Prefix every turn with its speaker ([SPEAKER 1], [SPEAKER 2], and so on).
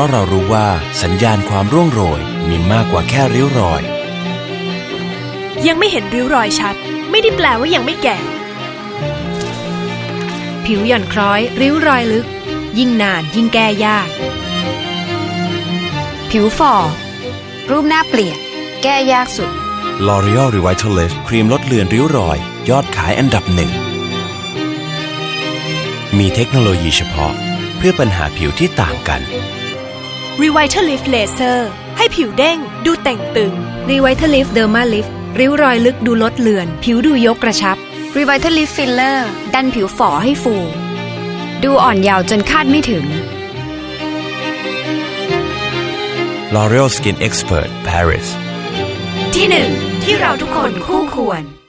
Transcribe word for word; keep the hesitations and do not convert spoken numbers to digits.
[SPEAKER 1] ราะเรารู้ว่าสัญญาณความร่วงโรยมีมากกว่าแค่ริ้วรอย
[SPEAKER 2] ยังไม่เห็นริ้วรอยชัดไม่ได้แปลว่ายังไม่แก่
[SPEAKER 3] ผิวหย่อนคล้อยริ้วรอยลึกยิ่งนานยิ่งแก้ยาก
[SPEAKER 4] ผิวฝ่อรูปหน้าเปลี่ยนแก้ยากสุด
[SPEAKER 1] L'Oreal Revitalift ครีมลดเลือนริ้วรอยยอดขายอันดับหนึ่งมีเทคโนโลยีเฉพาะเพื่อปัญหาผิวที่ต่างกัน
[SPEAKER 2] Revitalift Laser ให้ผิวเด้งดูเต่งตึง
[SPEAKER 3] Revitalift Derma Lift ริ้วรอยลึกดูลดเลือนผิวดูยกกระชับ
[SPEAKER 4] Revitalift Filler ดันผิวฝ่อให้ฟูดูอ่อนเยาว์จนคาดไม่ถึง
[SPEAKER 1] L'Oreal Skin Expert Paris
[SPEAKER 2] ที่หนึ่งที่เราทุกคนคู่ควร